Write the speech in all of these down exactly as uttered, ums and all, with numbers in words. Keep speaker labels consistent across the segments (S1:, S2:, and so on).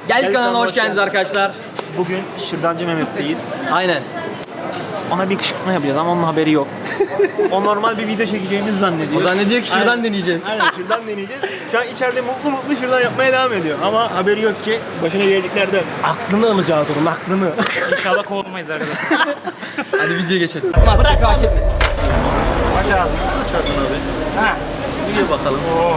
S1: Geldik kanalına hoş geldiniz arkadaşlar.
S2: Bugün Şırdancı Mehmet'teyiz.
S1: Aynen.
S2: Ona bir kışkırtma yapacağız ama onun haberi yok. O normal bir video çekeceğimizi zannediyor.
S1: O zannediyor ki şırdan
S2: Aynen.
S1: deneyeceğiz.
S2: Aynen şırdan deneyeceğiz. Şu an içeride mutlu mutlu şırdan yapmaya devam ediyor. Ama haberi yok ki başına geleceklerden. Aklını alacağız onun aklını.
S3: İnşallah kovulmayız arkadaşlar.
S1: Hadi videoya geçelim. Mas şaka hak etme.
S3: Aç abi.
S2: Aç ağzını abi.
S3: Ha.
S2: Bir bakalım.
S3: Oo.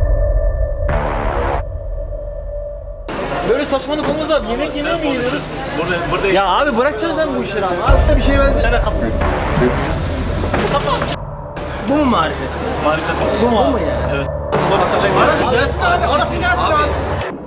S1: Böyle saçmalık olmaz abi. Yemek yemeye mi geliyoruz?
S2: Burada, burada
S1: Ya abi bırakacağız lan bu işleri abi. Abi bir şey ben
S2: Sen de kap. Bu mu marifet? Marifet. Bu mu? Bu mu ya? Evet. Bu basacak mısın? Gelsin abi. Orası gelsin abi. abi.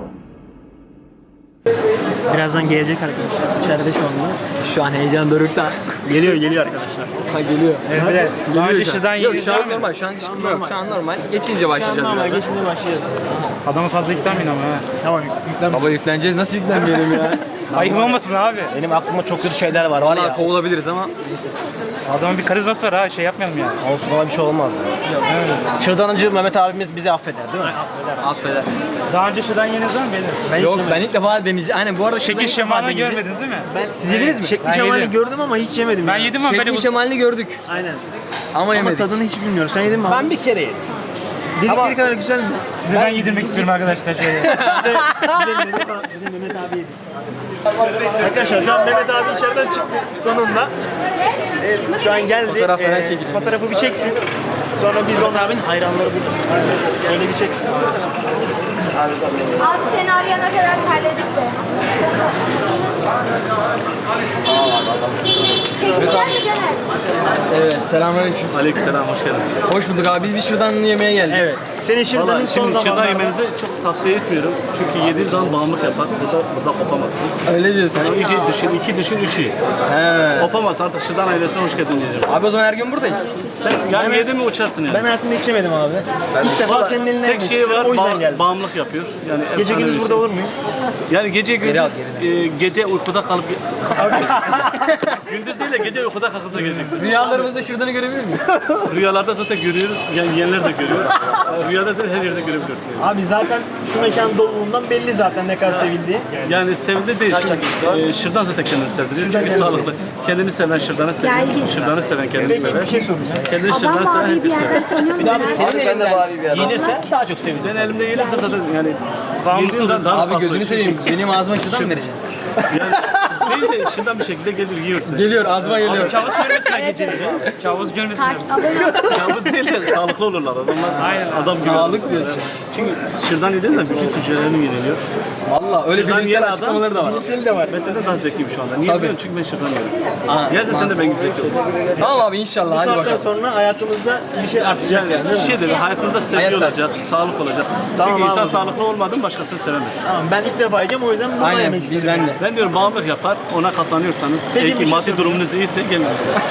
S2: Birazdan gelecek arkadaşlar. İçeride şu anda.
S1: şu an heyecan dorukta.
S2: Geliyor geliyor arkadaşlar.
S1: Ha geliyor.
S3: Evet. Daha önce
S1: şu an.
S3: şırdan
S1: Yok
S3: yedik
S1: şu an
S3: mi?
S1: normal. Şu an kışkırtma yok. Şu an normal. Geçince başlayacağız
S2: Normal
S1: birazdan.
S2: geçince başlayacağız.
S3: Adamı fazla yüklenmeyin ama ha.
S2: Tamam yüklen.
S1: Baba yükleneceğiz. Nasıl yüklenmeyelim ya?
S3: Ayıp olmasın abi.
S2: Benim aklımda çok kötü şeyler var var
S1: Valla
S2: ya.
S1: kovulabiliriz ama.
S3: Adamın bir karizması var ha, şey yapmayalım yani.
S2: Olsun ona bir şey olmaz. Şırdancı Mehmet abimiz bizi affeder değil mi? Affeder.
S1: Affeder.
S3: Daha önce şırdan yediniz mi benim?
S2: Ben
S1: Yok
S2: hiç
S1: ben ilk defa deneyeceğim. Aynen bu arada
S3: Şekil
S1: şekil
S3: şemalini görmediniz değil mi?
S2: Ben
S1: Siz yediniz mi?
S2: Şekli
S3: Ben
S2: şemali
S3: yedim.
S2: gördüm ama hiç yemedim.
S3: Ben
S2: yani.
S3: yedim ama böyle
S1: Şekli
S3: bu...
S1: şemalini gördük.
S2: Aynen.
S1: Ama
S2: Ama
S1: yemedik.
S2: tadını hiç bilmiyorum. Sen yedin mi abi? Ben bir kere yedim. Dedikleri kadar güzel mi?
S3: Size ben yedirmek istiyorum arkadaşlar şöyle.
S2: Bizim Mehmet abi yedi. Arkadaşlar şu an Mehmet abi içeriden çıktı sonunda. Evet, şu an geldi.
S1: Fotoğraf falan
S2: Ee,
S1: çekilelim.
S2: Fotoğrafı bir çeksin. Sonra biz onun abinin hayranları burada. Öyle bir çek.
S4: Abi seni arayana kadar halledip de. Çekimler mi Caner?
S1: Evet selamünaleyküm.
S5: Aleykümselam, hoş geldiniz.
S1: Hoş bulduk abi. Biz bir şırdan yemeye geldik.
S2: Evet. Senin şırdanın
S5: Valla
S2: son
S5: şimdi şırdan
S2: zamanlarda...
S5: yemenizi çok tavsiye etmiyorum. Çünkü yediğin zaman bağımlılık yapar. Burada, burada kopamazsın.
S1: Öyle diyorsun.
S5: Yani iyice düşün, iki düşün, üç iyi.
S1: He.
S5: Kopamazsın artık şırdan ailesine hoş geldin diyeceğim.
S1: Abi o zaman her gün buradayız.
S5: Sen yani yedin mi uçarsın yani.
S2: Ben hayatımda hiç yemedim abi. İlk defa
S5: Valla
S2: senin elinden
S5: tek
S2: yemek
S5: şey
S2: istiyorum,
S5: var,
S2: o yüzden
S5: ba-
S2: geldim.
S5: bağımlılık yapıyor. Yani
S2: Gece
S5: efsane
S2: gündüz
S5: bir
S2: burada
S5: şey.
S2: olur muyum?
S5: Yani gece
S1: Geri al,
S5: gündüz, e, gece uykuda kalıp... gündüz değil de gece uykuda kalkıp da geleceksin.
S1: Rüyalarımızda şırdanı görebilir miyiz?
S5: Rüyalarda zaten görüyoruz, yani yiyenler de görüyor. Rüyada da her yerde görebiliyorsun. Yani.
S2: Abi zaten şu mekan doluluğundan belli zaten ne kadar sevildiği.
S5: Yani sevildi değil. Şimdi, e, şırdan zaten kendini sevdiriyor. Çünkü
S2: kendini
S5: sağlıklı. Kendini seven şırdanı sever.
S4: Gel git.
S5: Şırdanı seven kendini sever.
S2: Bir şey sorayım sana.
S5: Kendini
S4: Adam
S5: şırdanı seven
S4: mavi bir
S5: herkes sever.
S4: yerden tanıyor
S2: Bir daha
S4: musun?
S2: abi senin elinden yenirse daha çok sevindim.
S5: Ben elimde gelirse zaten yani
S3: Bağımlısınız.
S5: yediğin zaman daha
S1: Abi
S5: farklı.
S1: gözünü seveyim. Benim ağzıma şırdan mı vereceksin?
S5: Yani değil de şırdan bir şekilde gelir yiyorsun.
S1: Geliyor ağzıma geliyor.
S3: Kabus görmesinler geceleri. Kabus görmesinler.
S4: Takip abone ol.
S5: Kabus değil de sağlıklı olurlar adamlar.
S3: Aynen.
S5: Adam gibi.
S1: Sağlık diyorsun.
S5: Çünkü şırdan yediğin zaman vücut hücrelerini yeniliyor.
S1: Valla öyle
S5: Şırdan yiyen
S1: bilimsel
S5: adam-
S1: açıklamaları da var.
S2: Senin de var.
S5: Ben senden daha zekliyim şu anda. Niye
S1: Tabii.
S5: biliyorum? Çünkü ben şırdan yiyorum.
S1: Aa,
S5: Yerse sen de ben gibi zevkli olursun.
S1: Tamam abi inşallah
S2: Bu
S1: hadi
S2: saatten
S1: bakalım.
S2: sonra hayatımızda bir şey artacak yani.
S5: Yani
S2: değil mi?
S5: şey de hayatınızda sevgi
S1: Hayat
S5: olacak, sağlık olacak.
S2: Tamam
S5: Çünkü insan
S2: abi.
S5: sağlıklı olmadı mı başkasını sevemez.
S2: Tamam ben ilk defa yiyeceğim o yüzden bunu
S1: Aynen
S2: yemek
S1: biz
S2: istedim.
S1: ben de.
S5: Ben diyorum bağımlılık yapar, ona katlanıyorsanız,
S2: Peki,
S5: eğer
S2: bir
S5: ki
S2: şey
S5: maddi durumunuz iyiyse gelin.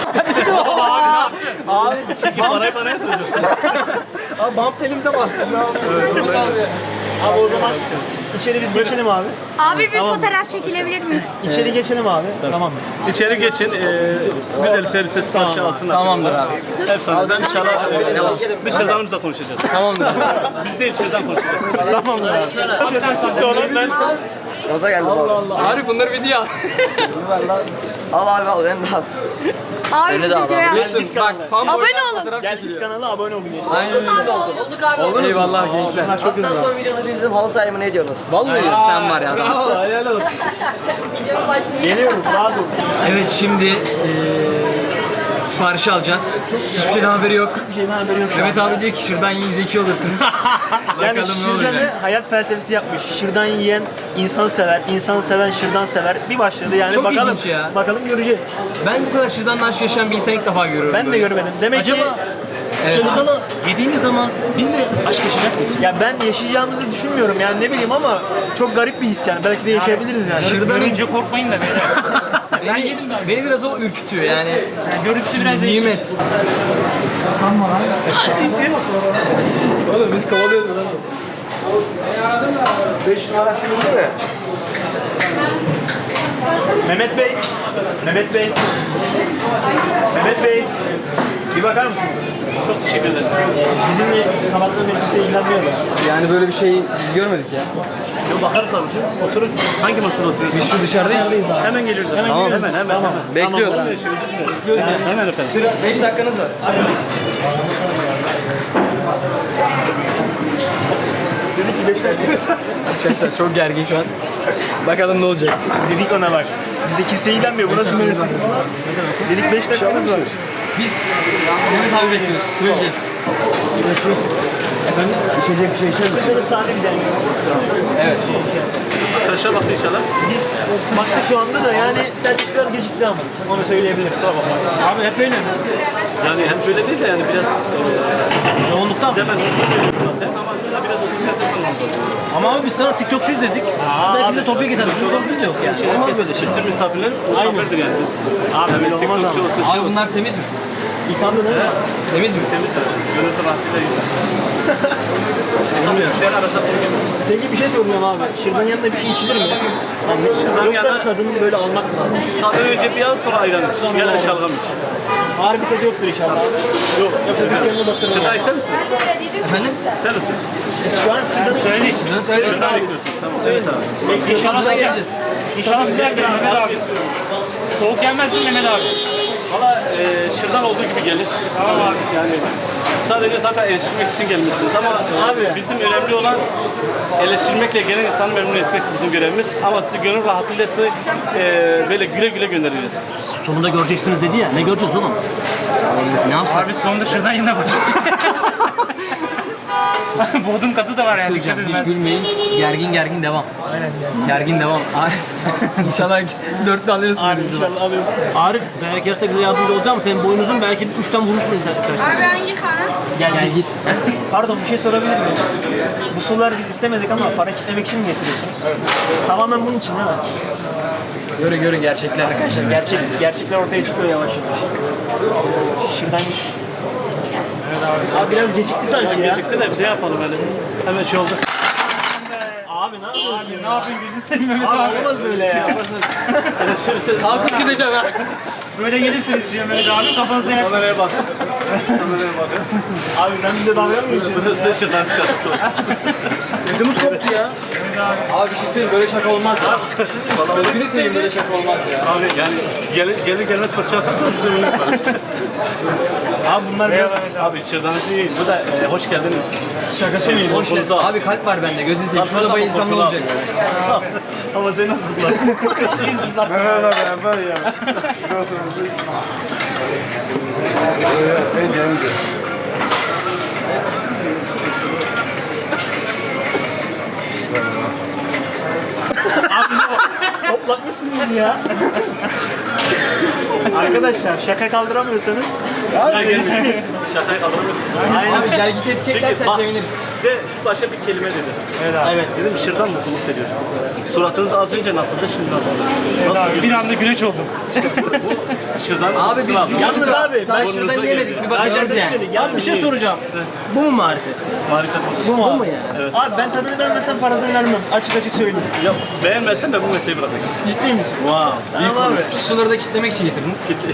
S2: Abi
S5: Çünkü parayı bana yatıracaksınız.
S2: Abi bump telimize bastın. Ne yapıyorsun? Abi o zaman içeri biz geçelim abi.
S4: Abi bir fotoğraf çekilebilir miyiz?
S2: İçeri geçelim abi. Tamam.
S5: İçeri geçin, e, güzel servise siparişi alsınlar.
S1: Tamamdır abi.
S5: Efsaneden inşallah e, bir şırdanımızla konuşacağız.
S1: Tamamdır.
S5: Biz değil şırdan konuşacağız.
S2: Tamamdır abi. Yapıyorsun tuttu onu ben.
S6: Gaza geldim abi.
S1: Arif bunları video al.
S6: Al abi al ben de al.
S4: Abi
S6: Beni de al
S4: videoya.
S1: Biliyorsun bak fan
S4: Abone
S1: boydan
S4: olun.
S1: fotoğraf
S2: Gel
S1: çekiliyor.
S2: kanala abone olun.
S1: Aynen öyle.
S4: Abi oldu.
S1: Eyvallah gençler.
S2: Bunlar çok hızlı.
S6: Ondan sonra videonuzu izledim halı sahayı mı ne diyorsunuz?
S1: Vallahi sen var ya.
S2: Bravo helal olsun. Geliyoruz rahat ol.
S1: Evet şimdi eee siparişi alacağız. Hiçbir şeyden haberi yok.
S2: Bir şeyden haberi yok şu an.
S1: Mehmet abi diyor ki şırdan yiyin zeki olursunuz.
S2: Yani
S1: Bakalım ne olacak.
S2: şırdanı hayat felsefesi yapmış. Şırdan yiyen insan sever, insan seven şırdan sever. Bir başladı yani
S1: Çok
S2: bakalım.
S1: ilginç ya.
S2: Bakalım göreceğiz.
S1: Ben bu kadar şırdanla aşk yaşayan bir insan ilk defa görüyorum.
S2: Ben de
S1: böyle.
S2: görmedim. Demek ki
S1: Evet.
S2: şırdanı
S6: Yediğimiz zaman biz de aşk yaşayacak mıyız?
S2: ya ben yaşayacağımızı düşünmüyorum yani ne bileyim ama çok garip bir his yani. Belki de yaşayabiliriz yani.
S1: Şırdanın
S3: Görünce korkmayın da beyler. Ben
S1: beni,
S3: yedim daha.
S1: beni biraz o ürkütüyor yani.
S3: Yani görüntüsü biraz değişik.
S1: Nimet. Oğlum biz kovalıyoruz lan.
S2: beş numara silindi mi? Mehmet Bey. Mehmet Bey. Mehmet Bey. Bir bakar mısınız?
S5: Çok teşekkür ederim.
S2: Bizimle sabahtan beri kimse ilgilenmiyor da.
S1: Yani böyle bir şey biz görmedik ya.
S5: Yok bakarız abicim. Oturun. Hangi masada oturuyorsunuz?
S1: Biz şu dışarıdayız.
S5: Hemen geliyoruz. Hemen
S1: Tamam.
S5: Hemen hemen. hemen.
S1: Bekliyoruz.
S5: Bekliyoruz yani. Hemen efendim.
S1: Süre beş dakikanız var.
S2: Dedik ki beş dakika.
S1: Arkadaşlar çok gergin şu an. Bakalım ne olacak.
S2: Dedik ona bak. Bizde kimse ilgilenmiyor. Bu nasıl mühendislik? Dedik beş dakikamız var.
S1: Biz Mehmet abi bekliyoruz. Söyleyeceğiz. Efendim? İçecek bir şey içer misin?
S2: Böyle sade bir deneyim.
S1: Evet.
S5: Arkadaşlar baktı inşallah.
S2: Biz baktık şu anda da yani servis biraz gecikti ama. Onu söyleyebilirim. Kusura bakma.
S5: Abi hep öyle mi? Yani hem böyle değil de yani biraz e,
S2: Yoğunluktan.
S5: biz hemen hızlı geliyoruz zaten ama size biraz oturup nefes alın.
S2: Ama abi biz sana TikTokçuyuz dedik. Belki de topiye getirdik. Çünkü topimiz yok yani. Olmaz böyle şey.
S5: Tüm misafirler misafirdir yani biz.
S2: Abi böyle olmaz
S5: TikTokçu
S2: ama.
S5: olsun şey
S1: Abi
S5: olsun.
S1: bunlar temiz mi?
S2: Yıkandı değil mi?
S1: Temiz mi?
S5: Temiz abi. Gönülsü rahatlıkla yiyoruz. İşler arasında bulunmuyoruz.
S2: Peki bir şey soracağım abi. Şırdan yanında bir şey içilir mi? Yani
S5: Şırdan
S2: yoksa
S5: yanında-
S2: tadını böyle almak mı lazım?
S5: Tabii önce bir an sonra ayran iç. Ya da şalgam iç.
S2: Ağır bir tadı yoktur inşallah.
S5: Yok.
S2: Yoksa dükkanına baktırma.
S5: Şırdan ister misiniz?
S1: Efendim?
S5: İster misiniz?
S2: Şu an şırdanı
S3: Söyledik.
S1: Ben söyledim.
S5: Şırdan bekliyorsunuz. Tamam. Evet abi.
S3: İnşallah
S1: Güzel
S3: sıcak.
S1: geleceğiz.
S3: İnşallah sıcak gelir Mehmet abi. Soğuk gelmez değil mi Mehmet abi?
S5: Valla e, şırdan olduğu gibi gelir.
S3: Tamam abi.
S5: Yani sadece zaten eleştirmek için gelmişsiniz ama abi bizim önemli olan eleştirmekle gelen insanı memnun etmek bizim görevimiz. Ama sizi gönül rahatlığıyla sizi e, böyle güle güle göndereceğiz.
S2: sonunda göreceksiniz dedi ya. Ne göreceğiz oğlum?
S1: Ne yapsak?
S3: Abi sonunda şırdan yine başlamış. Bodrum katı da var yani.
S1: Söyleyeceğim.
S3: dikkat
S1: Hiç
S3: edin.
S1: gülmeyin. Gergin gergin devam. Aynen. Gergin devam. Ay, İnşallah dörtlü alıyorsun.
S2: Arif inşallah alıyorsun. Arif dayak yerse bize yardımcı olacağım. Senin boynuzun belki üçten vurursun arkadaşlar.
S4: Abi hangi kanal?
S2: Gel
S1: Gel git.
S2: Pardon bir şey sorabilir miyim? Bu sular biz istemedik ama para kitlemek için mi getiriyorsunuz? Evet. Tamamen bunun için değil mi?
S1: Göre göre gerçekler.
S2: Arkadaşlar gerçek, gerçekler ortaya çıkıyor yavaş yavaş. Şuradan... Abi biraz gecikti sanki ya.
S5: Gecikti de ne yapalım öyle? Hemen şey oldu.
S2: Abi ne yapıyorsun?
S3: Ne yapayım gözünü seveyim Mehmet
S2: Abi
S3: abi.
S2: olmaz böyle ya.
S1: Kalkıp gideceğim ha.
S3: Böyle gelirseniz diyor Mehmet abi kafanızda yak.
S5: Kameraya bak. Kameraya bak.
S2: Abi sen bize dalga mı geçiyorsun?
S5: Bu da size şırdan şarkısı olsun.
S2: Ödümüz koptu ya.
S1: Abi bir şey söyleyeyim böyle şaka olmaz ya. Gözünü seveyim böyle şaka olmaz ya.
S5: Abi yani gelir gelir gelmez fırça atarsanız biz de bunu yaparız.
S2: Abi bunlar biraz
S5: Abi şırdanınızı yiyin. Bu da e, hoş geldiniz.
S2: şakası mı?
S1: Hoş geldin. Abi kalp var bende. Gözünü seveyim. Şurada bayılsam ne olacak?
S5: Ama sen nasıl zıplar?
S2: Toplatmışsın bizi ya. Arkadaşlar şaka kaldıramıyorsanız
S5: Ya gelirsiniz. Şakayı kaldıramıyorsunuz.
S2: aynen.
S1: Abi gel git etiketlersen
S5: Bak,
S1: seviniriz.
S5: size ilk başta bir kelime dedim.
S2: Evet.
S5: Dedim şırdan mutluluk veriyor. Suratınız az önce nasıldı, şimdi nasıldı? Nasıl
S3: Abi bir anda güneş oldum.
S5: şırdan?
S1: Abi biz
S5: Sınav.
S2: Yalnız abi
S1: daha
S2: ben
S1: şuradan
S5: burnunuza
S1: yemedik.
S5: geliyor.
S1: Bir bakacağız yani.
S2: ya bir şey soracağım. Bu mu marifet?
S5: Marifet.
S2: Bu mu? Bu mu yani? Abi ben tadını beğenmesem parasını vermem. Açık açık söyleyeyim.
S5: Ya beğenmezsen ben bu mesleği bırakacağım.
S2: Ciddi misin? Wow. Tamam abi.
S1: Şu suları da kitlemek için getirdiniz.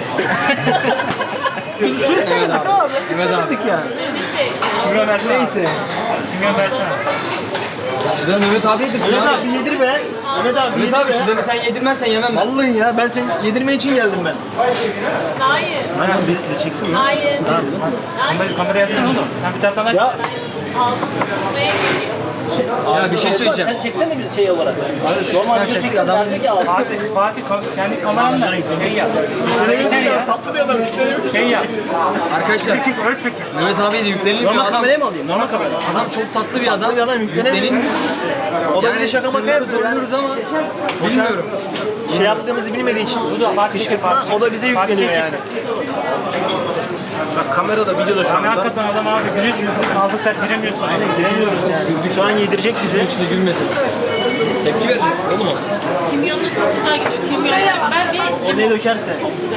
S2: Biz su istemedik
S1: abi.
S2: abi.
S1: Evet abi.
S2: İstemedik yani.
S3: Kime versene.
S2: Neyse.
S3: Kime versene.
S1: Şuradan Mehmet abi yedirsin
S2: Mehmet
S1: abi.
S2: abi yedir be. Mehmet abi
S1: Mehmet
S2: yedir
S1: abi
S2: be.
S1: şuradan sen yedirmezsen yemem ben.
S2: Vallahi ya ben seni yedirme için geldim ben.
S4: Hayır.
S2: Aynen bir, bir çeksin lan.
S4: Hayır.
S3: Kamera, kamera yazsana oğlum. Sen bir taraftan aç.
S2: Ya
S1: Ya bir şey söyleyeceğim.
S2: sen çeksene bir şey olarak.
S1: Abi,
S2: Normal
S1: ben
S2: bir
S1: çektik
S2: çeksen
S1: adam.
S2: derdi ki abi.
S3: Fatih, Fatih ka- kendi kameranla şey yap. Şey yap.
S2: Tatlı bir adam.
S3: Şey yap.
S1: Arkadaşlar
S3: Çekik, öyle çekik.
S1: Mehmet abiye de yüklenilmiyor.
S2: Normal
S1: Adam,
S2: kameraya mı alayım? Normal kamera.
S1: adam çok tatlı bir adam.
S2: Tatlı bir adam yüklenemiyor.
S1: Yüklenilmiyor.
S2: O da
S1: Yani
S2: bize şaka maka
S1: sırları
S2: yapıyor.
S1: soruyoruz ama bilmiyorum.
S2: Şey yaptığımızı bilmediği için
S3: Fatih çekik, Fatih
S2: kışkırtma o da bize
S3: Fatih
S2: yükleniyor
S3: çekik.
S2: yani. Bak kamerada videoda şu
S3: Yani
S2: anda.
S3: hakikaten adam abi güneş yüzünden ağzı sert giremiyorsun.
S2: Aynen giremiyoruz yani. Şu an yedirecek bize.
S1: İçinde gülmesin. Tepki verecek oğlum o.
S4: Kimyonla çok güzel gidiyor. Kimyonla ben bir
S2: O ne dökerse.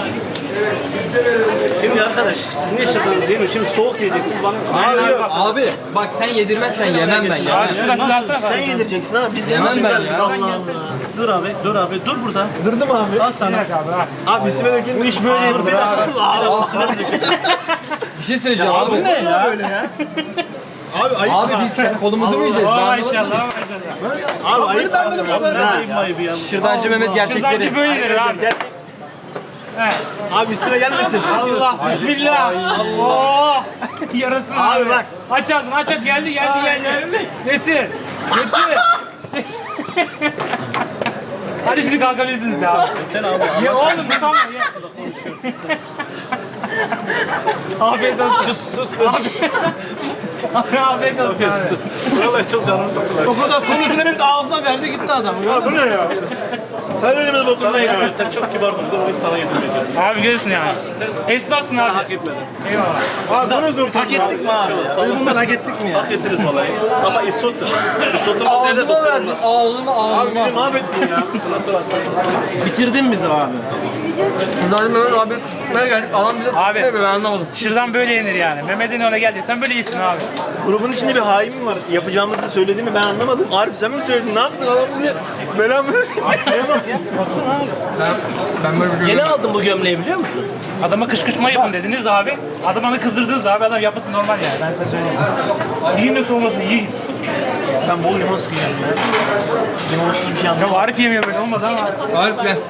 S5: Şimdi arkadaş siz niye şırdanınızı yemiyorsunuz? Şimdi soğuk yiyeceksiniz bana.
S2: Abi yok.
S1: Abi bak sen yedirmezsen yemem ben ya.
S3: Abi şuradan bir versene.
S2: Sen yedireceksin ha. Biz
S1: Yemem
S2: yemişim
S1: ben
S2: dersin.
S1: ya.
S2: Allah Allah.
S5: Dur abi, dur abi, dur burada.
S2: Durdum abi.
S5: Al sana.
S3: Abi abi.
S2: Abi üstüme dökün. Bu iş böyle yapılır abi.
S1: Bir şey söyleyeceğim abi.
S2: Bu ne ya böyle ya? Abi ayıp.
S1: Abi biz kendi kolumuzu mu yiyeceğiz?
S3: Aa
S1: Ben
S3: maşallah
S1: anlamadım.
S3: maşallah.
S2: Abi ayıp. Ben böyle bir şey görmedim.
S5: Ayıp ya.
S1: Şırdancı Mehmet gerçekleri.
S3: Şırdancı böyledir abi. He.
S2: Abi sıra gelmesin.
S3: Allah bismillah. Allah. Yarasın abi.
S2: Abi bak.
S3: Aç ağzını aç aç geldi geldi geldi. Getir. Getir. Hadi şimdi kalkabilirsiniz de abi.
S5: Sen abi.
S3: Ya oğlum bu tamam ya. Afiyet olsun.
S5: Sus sus.
S3: Abi, afiyet olsun abi.
S5: Vallahi çok canımı sıktılar.
S2: O kadar konusunu bir ağzına verdi gitti adam. Ya bu ne ya? Sen önümüzde
S5: Sana
S2: bakımdan ya.
S5: yedirmeyeceğim. Sen çok kibar durdun. O yüzden sana yedirmeyeceğim.
S3: Abi görürsün yani. Esnafsın abi.
S5: Hak etmedin.
S3: Eyvallah.
S2: Abi sana dur. Hak ettik mi abi? Biz bundan hak ettik mi ya?
S5: Hak ettiniz vallahi. Ama isottu. Isottu nerede
S1: Ağzıma
S5: doktor
S1: verdin.
S5: olmaz.
S1: Ağzıma
S2: Abi bizi
S1: ağzıma.
S2: mahvettin ya.
S5: Nasıl hasta?
S2: Bitirdin bizi abi.
S1: Şırdancı Mehmet abi tutmaya geldik. Adam bize
S3: Abi.
S1: tutmuyor ben anlamadım.
S3: Şırdan böyle yenir yani. Mehmet'in öyle geleceksen böyle yesin abi.
S2: Grubun içinde bir hain mi var? Yapacağımızı söyledi mi ben anlamadım. Arif sen mi söyledin? Ne yaptın? Adam bizi belamızı sikti. Baksana abi.
S1: Ben, ben böyle bir
S2: Yeni
S1: görüyorum.
S2: aldım bu gömleği biliyor musun?
S3: Adama kışkırtma yapın dediniz abi. Adamı kızdırdınız abi. Adam yapması normal yani. Ben size söyleyeyim. Yiyin de soğumasın yiyin.
S2: Ben bol limon sıkacağım ya. Limonsuz bir şey
S3: Ya
S2: anlamadım.
S3: Arif yemiyor böyle olmaz ama.
S1: Arif gel.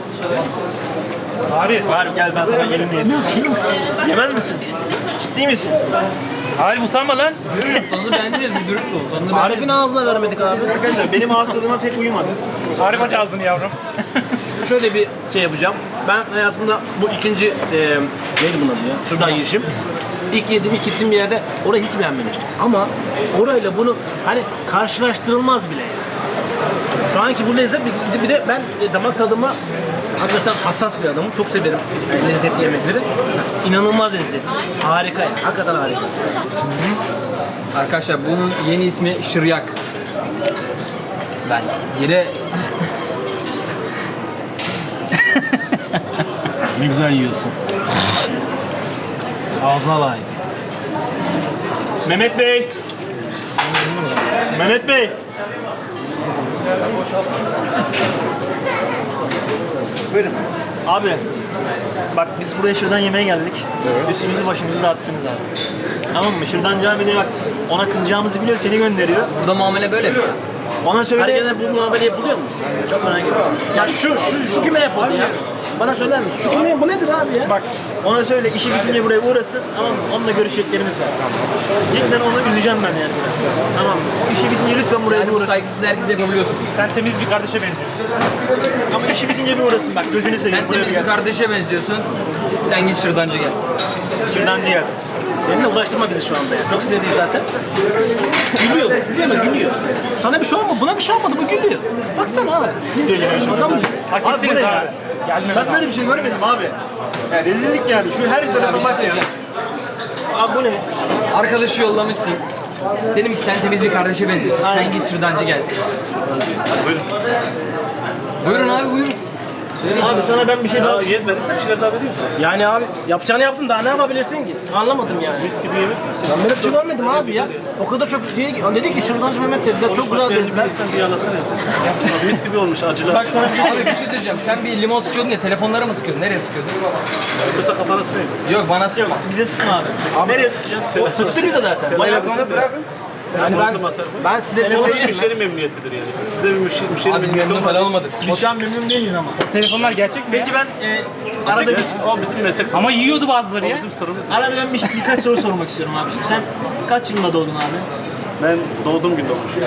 S3: Arif.
S2: Arif gel ben sana elimle yedim. Yemez misin? Ciddi misin?
S3: Arif utanma lan.
S1: Tadını beğendiniz mi? Dürüst ol. Tadını beğendiniz
S2: Arif'in ağzına vermedik abi. Arkadaşlar benim hastalığıma pek uyumadı.
S3: Arif aç ağzını yavrum.
S2: Şöyle bir şey yapacağım. Ben hayatımda bu ikinci e, neydi bunun adı ya? Şuradan yiyişim. İlk yediğim, ilk gittiğim bir yerde orayı hiç beğenmemiştim. Ama orayla bunu hani karşılaştırılmaz bile yani. Şu anki bu lezzet bir, bir de ben e, damak tadıma hakikaten hassas bir adamım. Çok severim e, lezzetli yemekleri. İnanılmaz lezzetli. Harika yani. Hakikaten harika.
S1: Arkadaşlar bunun yeni ismi Şıryak. Ben yine
S2: Ne güzel yiyorsun. Ağzına layık. Mehmet Bey. Mehmet Bey. Buyurun. Abi. Bak biz buraya şırdan yemeğe geldik. Üstümüzü başımızı dağıttınız abi. Tamam mı? Şırdancı abi de bak ona kızacağımızı biliyor seni gönderiyor.
S1: burada muamele böyle mi?
S2: Ona söyle. Herkese bu muamele yapılıyor mu? Çok merak ediyorum. Ya şu şu şu kime yapıldı ya? Bana söyler misin? Şu kime bu nedir abi ya? Bak ona söyle işi bitince buraya uğrasın. Tamam mı? Onunla görüşeceklerimiz var. Cidden onu üzeceğim ben yani biraz. Tamam mı? O işi bitince lütfen buraya
S1: Yani
S2: bir
S1: bu
S2: uğrasın.
S1: saygısını herkese yapabiliyorsunuz.
S3: Sen temiz bir kardeşe benziyorsun.
S2: Ama işi bitince bir uğrasın bak gözünü seveyim.
S1: Sen
S2: buraya
S1: temiz
S2: bir
S1: bir
S2: gelsin.
S1: kardeşe benziyorsun. Sen git şırdancı gelsin.
S2: Şırdancı gelsin. Seninle uğraştırma bizi şu anda ya. Çok sinirliyiz zaten. Gülüyor bu. Değil mi? Gülüyor. Sana bir şey olmadı. Buna bir şey olmadı. Bu gülüyor. Baksana abi. Adam mı?
S3: Hak
S2: Abi bu
S3: ettiniz
S2: ne
S3: abi.
S2: ya?
S3: Gelme
S2: Ben böyle bir şey görmedim abi. Ya rezillik yani. Şu her tarafa bak ya. Abi bu ne?
S1: Arkadaşı yollamışsın. Dedim ki sen temiz bir kardeşe benziyorsun. Sen git şırdancı gelsin.
S5: Buyurun.
S1: Buyurun abi buyurun.
S2: Abi sana ben bir şey daha...
S5: Ya yetmediyse bir şeyler daha vereyim sana.
S2: Yani abi yapacağını yaptın daha ne yapabilirsin ki? Anlamadım yani.
S5: Mis gibi yemek misin?
S2: Ben böyle bir şey görmedim abi ya. O kadar çok şey dedi ki şırdancı Mehmet dediler çok güzel dediler.
S5: Sen bir yalasana ya. Mis gibi olmuş acılar.
S2: Bak sana bir şey
S1: Abi bir şey söyleyeceğim. Sen bir limon sıkıyordun ya telefonlara mı sıkıyordun? Nereye sıkıyordun?
S5: İstiyorsa kafana sıkayım.
S1: Yok bana sıkma.
S2: yok bize sıkma abi. Nereye sıkacaksın? O sıktı bize zaten. Bayağı bir sıktı. Yani ben, ben size bir şey
S5: Bu bir
S2: söyleyeyim mi?
S5: müşteri memnuniyetidir yani. Size bir müşteri, müşteri
S1: Abi biz
S5: memnuniyeti
S1: memnun falan
S5: olmadı.
S1: olmadık.
S2: Biz şu an memnun değiliz ama.
S3: Telefonlar gerçek mi?
S2: Peki ben e, arada bir,
S5: Gerçi o bizim meslek.
S3: Ama yiyordu bazıları
S5: O
S3: ya.
S5: bizim sırrımız.
S2: arada ben bir, birkaç soru sormak istiyorum abi. Sen kaç yılında doğdun abi?
S5: Ben doğduğum gün doğmuşum.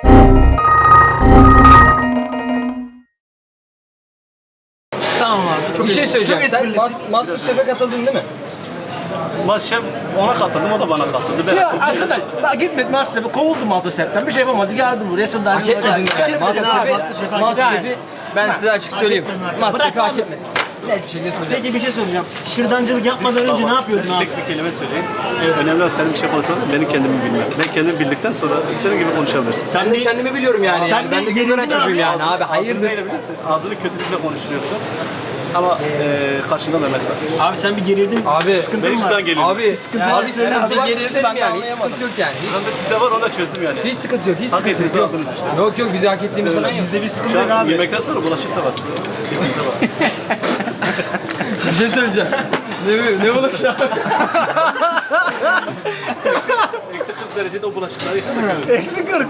S2: Tamam abi. Çok
S1: Bir şey söyleyeceğim.
S2: Çok
S1: Sen
S2: esprilisin.
S1: Mas- Masterchef'e katıldın değil mi?
S5: Masterchef ona katıldım, o da bana katıldı. Ben
S2: Ya arkadaş bak gitmedi Masterchef'e kovuldum Masterchef'ten bir şey yapamadı geldim buraya şırdancı.
S1: Hak etmedin yani. Masterchef'i,
S2: Masterchef'e
S1: Masterchef'i ben size açık söyleyeyim.
S2: etmedin.
S1: Masterchef'i
S2: Bırak
S1: hak
S2: abi.
S1: etmedin. Net bir şekilde söyleyeyim.
S2: Peki bir şey soracağım. Şırdancılık yapmadan önce ne yapıyordun abi?
S5: Tek bir kelime söyleyeyim. Ee, önemli olan senin bir şey konuşman, benim kendimi bilmem. Ben kendimi bildikten sonra istediğin gibi konuşabilirsin.
S1: Ben de kendimi biliyorum yani.
S2: Sen
S1: yani. Ben de
S2: bir
S1: gönderen
S2: gerildin
S1: çocuğum
S2: abi.
S1: yani. Abi
S5: Ağzını
S1: hayırdır?
S5: neyle biliyorsun? Ağzını kötülükle konuşturuyorsun. Ama e, karşında Mehmet var.
S2: Abi sen bir gerildin.
S1: Abi
S5: Benim güzel geliyor.
S1: Abi sıkıntı
S2: Yani
S1: abi
S2: söyle
S1: sıkıntı
S2: abi,
S1: var.
S2: gerildi,
S1: Çözelim
S2: ben de
S1: yani. Hiç
S2: anlayamadım.
S1: sıkıntı yok yani.
S5: Ben de sizde var, onu da çözdüm yani.
S1: Hiç sıkıntı yok. Hiç
S5: Hak
S1: sıkıntı
S5: ettiğinizi
S1: yok.
S5: aldınız işte.
S1: Yok yok bize hak ettiğimiz falan yok.
S2: Bizde bir sıkıntı
S5: Şu
S2: yok
S5: an
S2: abi.
S5: yemekten sonra bulaşık da var. Hepinize var.
S1: Bir şey söyleyeceğim. ne ne olur şu an?
S5: Eksik kırk derecede o bulaşıkları yıkıyoruz.
S2: Eksi kırk.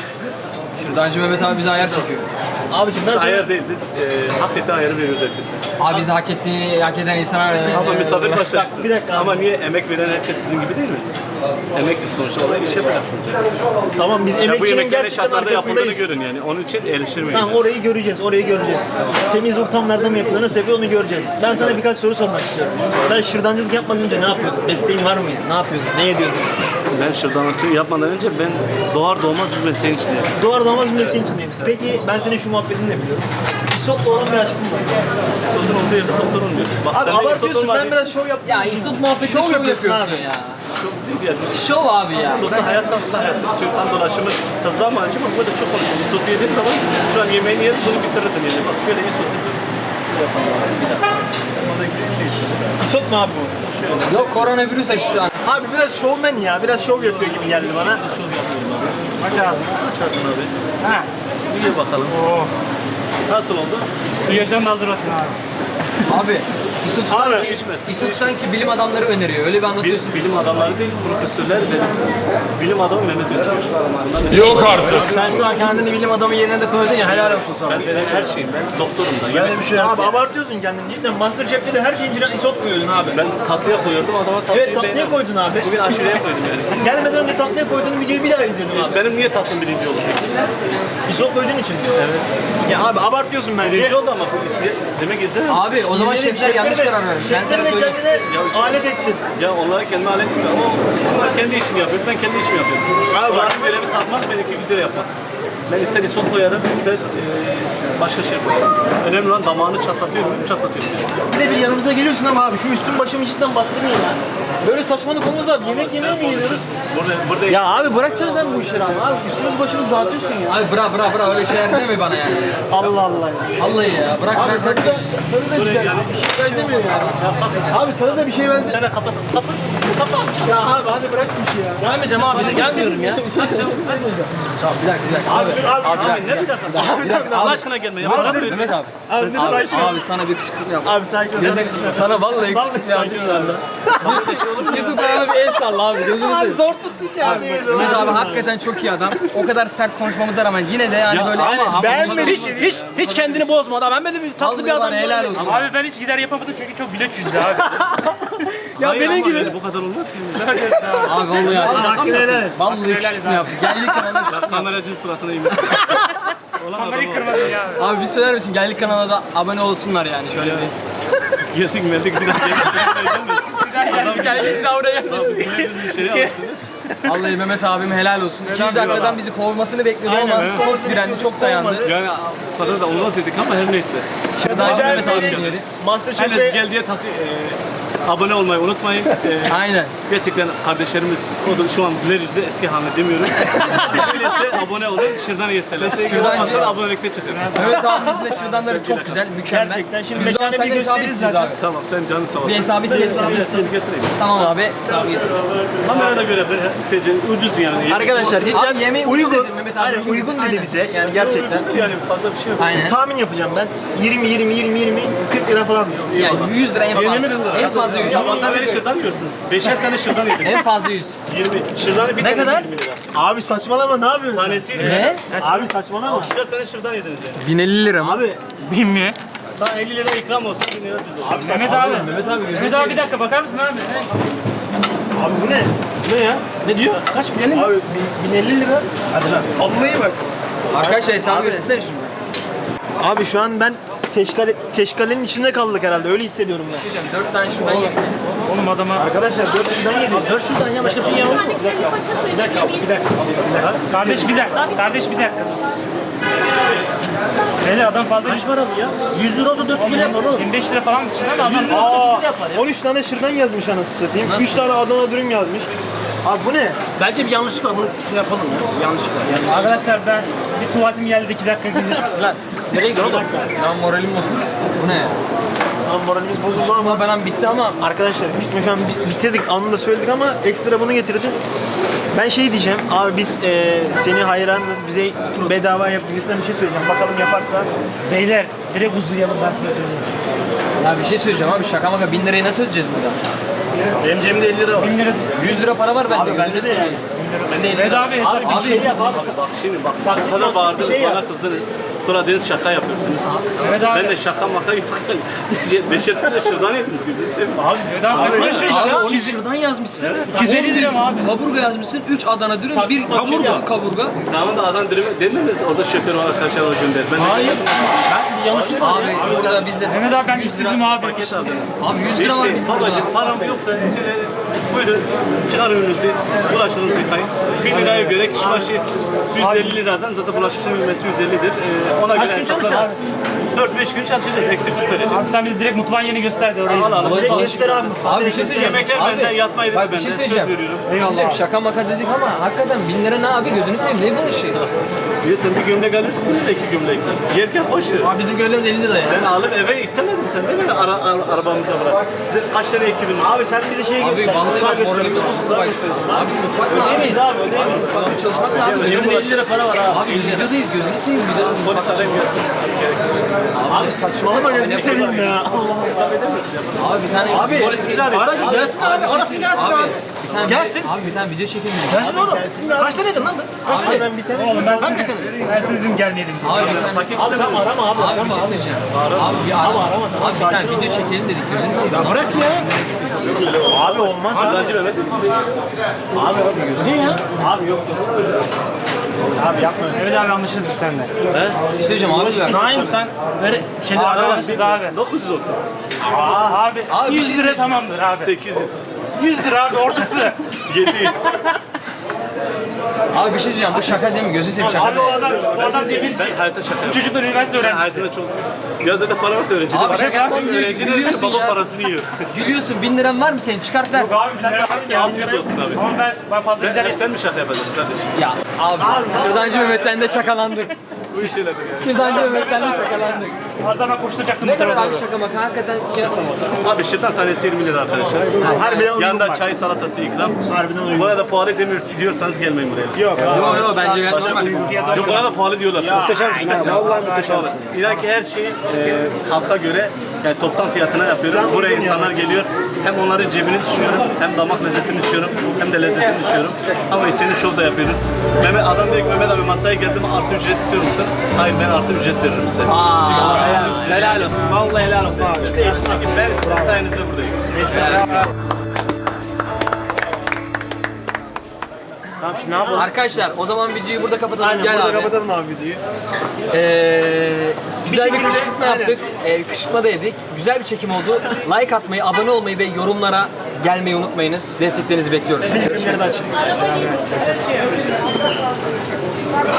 S1: Şırdancı Mehmet abi bize ayar çekiyor.
S2: Abiciğim ben sana...
S5: Ayar değil, biz e, hak ettiği ayarı veriyoruz herkese.
S1: Abi biz de hak ettiğini, hak eden insanlar...
S5: Ama misafir başlarsınız.
S2: bir dakika abi.
S5: Ama niye emek veren herkes sizin gibi değil mi? Emekli sonuçta olarak iş yapacaksınız yani.
S2: Tamam biz
S5: Ya bu
S2: emekçinin
S5: yemeklerin
S2: gerçekten
S5: şartlarda yapıldığını
S2: arkasındayız.
S5: görün yani. Onun için eleştirmeyin.
S2: Tamam orayı göreceğiz, orayı göreceğiz. Temiz ortamlarda mı yapılıyor, nasıl yapıyor onu göreceğiz. Ben sana birkaç soru sormak istiyorum. Sen şırdancılık yapmadan önce ne yapıyordun? Mesleğin var mıydı? Ne yapıyordun? Ne ediyordun?
S5: Ben şırdanlıkçılık yapmadan önce ben doğar doğmaz bir mesleğin içindeyim.
S2: Doğar doğmaz bir mesleğin içindeyim. Peki ben senin şu muhabbetini de biliyorum. İsot'la olan bir aşkım var.
S5: Sotun olduğu yerde doktor olmuyor. Bak,
S2: Abi
S5: sen de
S2: abartıyorsun,
S5: isot olmadığı
S2: ben biraz şov yaptım.
S1: Ya İsut muhabbeti
S2: Şov
S1: şov,
S2: yapıyorsun
S1: yapıyorsun
S2: abi.
S1: ya.
S5: çok değil yani.
S1: Şov abi ya.
S5: Sotta hayat sağlıklı hayat. Çünkü kan dolaşımı hızlı ama acı ama burada çok konuşuyor. Isotu yediğin zaman şu an yemeğini yedin bunu bitirirdin yani. Bak şöyle isotu bir yapalım abi. Bir dakika. Sen orada bir şey istiyorsun.
S2: İsot mu abi bu?
S1: Yok koronavirüs açtı.
S2: Abi biraz şovmen ya, biraz şov yapıyor gibi geldi bana.
S5: Şov yapıyorum abi.
S3: Aç abi.
S5: Aç ağzını abi.
S3: Ha.
S5: Bir ye bakalım. Nasıl oldu?
S3: Su yaşam da hazır olsun abi.
S1: Abi İsut
S5: Abi,
S1: sanki,
S5: içmez.
S1: İsut sanki bilim adamları öneriyor. Öyle bir
S5: Bil,
S1: anlatıyorsun.
S5: bilim adamları değil, profesörler ve bilim adamı Mehmet Özgür.
S7: Yok artık.
S2: Sen şu an kendini bilim adamı yerine de koydun ya, helal olsun sana.
S5: Ben veren her şeyim, ben doktorum da. Yani
S2: bir şey Abi abartıyorsun kendini cidden. Masterchef'te de her şeyin içine isot koyuyordun abi.
S5: ben tatlıya koyuyordum, adama tatlıyı
S2: Evet tatlıya
S5: beğenmedim.
S2: koydun abi.
S5: Bugün aşureye koydum yani.
S2: Gelmeden önce tatlıya koyduğun videoyu bir daha izledim abi.
S5: Benim niye tatlım birinci oldu peki?
S2: İsot koyduğun için. Evet. Ya abi abartıyorsun bence.
S5: Birinci oldu ama bu izle, demek izlemem.
S1: Abi o zaman şefler yanlış karar vermiş. Ben sana
S2: Şeflerine
S1: söyleyeyim.
S2: kendine alet ettin.
S5: Ya onlara kendime alet etmiyor ama onlar kendi işini yapıyor, ben kendi işimi yapıyorum.
S2: Abi bak-
S5: Onların görevi tatmak, benimki güzel yapmak. Ben ister isot koyarım, ister e, başka şey koyarım. Önemli olan damağını çatlatıyor muyum, çatlatıyorum.
S2: Bir de bir yanımıza geliyorsun ama abi şu üstün başımı cidden battırmıyor ya. Böyle saçmalık olmaz abi. Yemek yemeye mi geliyoruz?
S5: Burada, burada
S2: Ya abi bırakacağız ben bu işleri ama abi. Üstümüz başımız dağıtıyorsun ya.
S1: Abi bırak bırak bırak öyle şeyler deme bana yani.
S2: Allah Allah ya.
S1: Vallahi ya bırak
S2: Abi
S1: bırak
S2: tadı da,
S1: bırak.
S2: tadı da güzel. Bir şey benzemiyor ya. Abi tadı da bir şey benzemiyor.
S5: sen de kapat, kapat, kapat.
S2: Ya abi hadi bırak bir şey ya. Gelmeyeceğim abi de gelmiyorum ya.
S1: Bir dakika bir dakika. Abi,
S2: Abi,
S1: abi,
S5: Ne bir dakika?
S2: abi, abi,
S5: Allah aşkına gelme ya. Bana böyle.
S1: Mehmet abi.
S2: Abi,
S1: Abi,
S2: sakin ol.
S1: abi sana bir kışkırtma yap.
S2: Abi sakin ol.
S1: Sana vallahi kışkırtma yaptım şu anda. YouTube kanalına bir el salla abi. Gözünü
S2: Abi
S1: seveyim.
S2: zor tuttuk ya.
S1: Mehmet abi hakikaten çok iyi adam. O kadar sert konuşmamıza rağmen yine de yani böyle ama
S2: Beğenmedim. Hiç, hiç, hiç kendini bozmadı. Ben böyle bir tatlı bir
S1: Vallahi var
S2: adam.
S1: ya, helal olsun.
S3: Abi ben hiç gider yapamadım çünkü çok bilet yüzdü abi.
S2: Ya
S5: Hayır
S2: benim
S5: ama
S2: gibi.
S5: öyle bu kadar olmaz ki.
S1: Abi vallahi ya.
S2: Hakkını helal et.
S1: Vallahi kışkırtma yaptı. Geldik kanalına kışkırtma.
S5: Kameracının suratına yemin. Olan
S3: Kamerayı
S5: adamı
S3: kırmadın ya abi.
S1: Abi bir söyler misin? Geldik kanala da abone olsunlar yani şöyle bir.
S5: geldik meldik bir daha gelmesin.
S1: Adam geldik de oraya.
S5: Bir şey alırsınız.
S1: Vallahi Mehmet abim helal olsun. iki yüz dakikadan bizi kovmasını bekliyordum ama çok direndi, çok dayandı.
S5: Yani fazla da olmaz dedik ama her neyse.
S1: Şırdancı
S2: Acayip
S1: Mehmet
S2: bir
S1: abim
S2: şey.
S1: yeriz.
S5: Herkes
S2: Masterchef'te
S5: gel diye takı, e, abone olmayı unutmayın. E,
S1: Aynen.
S5: gerçekten kardeşlerimiz, o da şu an güler yüzlü eski Ahmet demiyorum. Öyleyse abone olun, şırdan yeseler.
S1: Şırdancı-
S5: Şırdancı abonelikte çıkın.
S1: Mehmet abimizin de şırdanları çok güzel, mükemmel.
S2: Gerçekten. Şimdi
S1: Biz o zaman
S2: mekanı bir
S1: seninle hesabı
S2: gösteririz
S1: isteyeceğiz
S2: zaten.
S1: abi.
S5: Tamam sen canın sağ olsun.
S1: Bir hesabı isteyelim.
S5: Ben hesabı getireyim.
S1: Tamam abi. Tamam getir.
S5: Kamerada göre de şeyce, ucuz yani.
S2: Arkadaşlar cidden
S1: Abi yemeği
S2: uygun.
S1: ucuz dedi Mehmet abi.
S2: Aynen, uygun dedi
S1: Aynen.
S2: bize. Yani gerçekten.
S5: Yani fazla bir şey yok.
S1: Aynen.
S2: Tahmin yapacağım ben. yirmi yirmi yirmi yirmi kırk lira falan diyor.
S1: Yani yüz lira en fazla.
S5: yirmi lira.
S1: En fazla yüz.
S5: Sabahtan beri şırdan yiyorsunuz. Beşer tane şırdan yedim.
S1: En fazla yüz.
S5: yirmi. Şırdanı bir
S1: Ne
S5: tane
S1: kadar?
S5: yirmi lira.
S2: Abi saçmalama ne yapıyorsun?
S5: Tanesi
S1: Ne?
S2: Abi saçmalama.
S5: Şırdan tane şırdan yediniz yani.
S1: bin elli lira mı?
S2: Abi
S3: Bin mi?
S5: Daha elli lira ikram olsun, bin lira düz olsun.
S3: Mehmet abi.
S1: Mehmet abi gözünü
S3: Mehmet abi bir dakika bakar mısın abi?
S2: abi bu ne?
S5: Ne ya?
S2: Ne diyor? Kaç bin? Abi bin elli lira. Hadi lan. Vallahi bak.
S1: Arkadaşlar hesabı göstersene şimdi.
S2: Abi şu an ben teşkale, teşkalenin içinde kaldık herhalde. Öyle hissediyorum ben.
S1: Diyeceğim dört tane şuradan yedim.
S3: Oğlum adama.
S2: Arkadaşlar dört şuradan yedim. dört şuradan ya başka bir şey yemem.
S4: Bir dakika, bir dakika,
S2: Bir dakika. Bir dakika.
S3: Kardeş bir dakika. Kardeş bir dakika. Beyler adam fazla
S2: Kaç para bu ya? yüz lira olsa dört yüz lira yapar oğlum.
S3: yirmi beş lira falan dışında da adam.
S2: Aa, on üç tane şırdan yazmış anasını satayım. üç tane Adana dürüm yazmış. Abi bu ne? Bence bir yanlışlık var. Bunu şey yapalım ya. Yanlışlık var. Yani.
S3: Arkadaşlar ben bir tuvaletim geldi iki dakika gidiyor.
S2: Lan nereye gidiyor oğlum?
S1: Şu an moralim bozuldu. Bu ne ya?
S2: Lan moralimiz bozuldu ama.
S1: Ama ben bitti ama
S2: Arkadaşlar bitme şu an bi- bitirdik anında söyledik ama ekstra bunu getirdim. Ben şey diyeceğim abi biz e, seni hayranınız bize bedava yap gibisinden bir şey söyleyeceğim. Bakalım yaparsa.
S3: Beyler direkt uzayalım ben size söyleyeyim.
S1: ya bir şey söyleyeceğim abi şaka maka bin lirayı nasıl ödeyeceğiz burada?
S2: Benim cebimde elli lira var.
S3: Bin lira.
S1: yüz lira para var bende.
S2: Abi bende
S1: gözünü
S2: de yani.
S1: seveyim.
S2: Ben de
S3: Evet abi hesap
S5: Abi bir şey yap abi. Bak şimdi bak. Bak sana bağırdınız,
S2: şey yap.
S5: bana kızdınız. Sonra deniz şaka yapıyorsunuz.
S3: Evet abi.
S5: Ben de şaka maka yok. Beşerden de şırdan yediniz gözünü seveyim.
S3: Abi evet abi.
S1: Abi,
S3: Kaç beş
S1: abi
S3: ya?
S1: onu şuradan yazmışsın.
S3: iki yüz elli lira mı abi?
S1: Kaburga yazmışsın. üç Adana dürüm, bir kaburga. Kaburga.
S5: Tamam da adam dürümü demediniz orada şoför var arkadaşlar o gönder. Ben Hayır.
S2: Ben yanlışlık
S1: Abi burada bizde
S3: Mehmet abi ben işsizim abi.
S5: Paket aldınız.
S1: abi yüz lira var bizim burada.
S5: Babacım param yoksa şöyle buyurun çıkar ürününüzü, bulaşığınızı yıkayın. Bir liraya göre kişi başı yüz elli liradan zaten bulaşıkçının bilmesi yüz ellidir. Ee, ona göre hesaplarız. dört beş gün çalışacağız, eksiklik vereceğiz.
S3: Abi sen bizi direkt mutfağın yerini göster de orayı.
S5: Al al.
S1: Olay falan.
S5: Göster abi.
S1: Abi bir şey söyleyeceğim.
S5: Yemekler
S1: Abi,
S5: benden, yatma yeri
S1: bak
S5: benden.
S1: bir şey
S5: Söz
S1: söyleyeceğim.
S5: veriyorum.
S1: Bir şey söyleyeceğim. Şaka maka dedik ama hakikaten bin lira ne abi gözünü seveyim ne bu işi?
S5: Bir de sen bir gömlek alıyorsun, bir de iki gömlek. Yerken hoş ver.
S2: Abi bizim gönlümüz elli lira ya.
S5: Sen alıp eve istemedin sen değil mi? Ara, ara, arabamıza bırak. Size kaç tane ekibin var?
S2: Abi sen bize şey
S1: Abi
S2: göster.
S1: vallahi bak moralimiz bozuldu bak. Abi mutfak mı abi?
S2: Ödeyemeyiz abi ödeyemeyiz.
S1: Mutfakta çalışmak ne abi?
S2: Cebimde elli lira para var abi.
S1: Abi videodayız gözünü seveyim videoda.
S5: Polis arayıp gelsin.
S2: Abi saçmalama gözünü seveyim ya.
S5: Hesap edemiyorsun ya.
S1: Abi bir tane
S2: Abi
S1: polis
S2: güzel. Ara gelsin abi. Arasın gelsin abi.
S1: Bir tane
S2: Gelsin.
S1: Abi bir tane video çekelim dedik.
S2: Gelsin oğlum. Kaç tane yedin lan? Kaç tane? Ben bir tane.
S3: Oğlum ben
S2: Hangi
S3: size,
S2: sene?
S3: ben size dedim gelmeyelim diye.
S1: Abi bir tane
S2: Abi tamam arama abi.
S1: Abi bir şey söyleyeceğim. Abi bir arama. Abi bir tane video çekelim dedik gözünü seveyim.
S2: Ya bırak ya. Abi olmaz abi.
S5: Şırdancı Mehmet.
S2: Abi ne ya? Abi yok yok. Abi yapma.
S3: Evet abi anlaşırız biz seninle.
S1: Bir şey söyleyeceğim abi bir dakika.
S2: Naim sen ver şeyleri ara.
S3: Anlaşırız abi.
S5: dokuz yüz olsun.
S3: Abi,
S1: Abi bir
S3: yüz
S1: şey
S3: lira
S1: söyleyeceğim.
S3: tamamdır abi.
S5: sekiz yüz.
S3: yüz lira abi ortası.
S5: yedi yüz.
S1: Abi bir şey söyleyeceğim bu şaka değil mi gözünü seveyim şaka
S3: Abi
S1: değil.
S3: o adam, o adam zebilci.
S5: Ben hayatta şaka yapıyorum.
S3: Çocuklar üniversite
S5: Ben
S3: öğrencisi.
S5: hayatımda çok... Ya zaten para varsa öğrenci de
S1: Abi
S5: var.
S1: şaka yapmam diyor
S5: Öğrenci de
S1: gülüyorsun
S5: baba
S1: ya.
S5: parasını yiyor.
S1: Gülüyorsun bin liran var mı senin çıkart ver.
S3: Abi sen de
S5: altı yüz olsun abi.
S3: Ama ben, ben fazla
S5: Sen,
S3: giderim.
S5: hep sen mi şaka yapacaksın kardeşim?
S1: Ya abi Şırdancı Mehmet'ten de şakalandık.
S5: Bu iş öyledir yani.
S1: Şırdancı Mehmet'ten de şakalandık.
S3: Az daha ben koşturacaktım
S1: Ne
S3: bu
S1: kadar
S3: tarafa
S1: abi
S3: doğru.
S1: şaka maka hakikaten fiyat mı?
S5: Abi şırdan tanesi yirmi lira arkadaşlar.
S2: Harbiden uygun
S5: Yanında
S2: bak.
S5: çay salatası ikram.
S2: Harbiden uygun.
S5: Bu arada pahalı demiyoruz diyorsanız gelmeyin buraya.
S2: Yok abi.
S1: Yok yok bence gayet normal.
S5: Yok bana da pahalı diyorlar.
S2: Muhteşemsin abi. Vallahi muhteşem.
S5: İnan ki her şeyi e, halka göre yani toptan fiyatına yapıyorum. Buraya insanlar geliyor. Hem onların cebini düşünüyorum, hem damak lezzetini düşünüyorum, hem de lezzetini düşünüyorum. Ama istediğin şov da yapıyoruz. Mehmet, adam diyor ki Mehmet abi masaya geldim artı ücret istiyor musun? Hayır ben artı ücret veririm size.
S2: Helal olsun. Vallahi helal olsun abi.
S5: İşte esnaf ki ben sizin sayenizde buradayım.
S2: Tamam şimdi ne yapalım?
S1: Arkadaşlar o zaman videoyu burada kapatalım.
S2: Aynen
S1: Gel
S2: burada
S1: abi.
S2: kapatalım abi videoyu.
S1: Ee, güzel bir,
S2: şekilde-
S1: kışkırtma yaptık. Ee, kışkırtma da yedik. Güzel bir çekim oldu. Like atmayı, abone olmayı ve yorumlara gelmeyi unutmayınız. Desteklerinizi bekliyoruz.
S2: Bildirimleri de açın.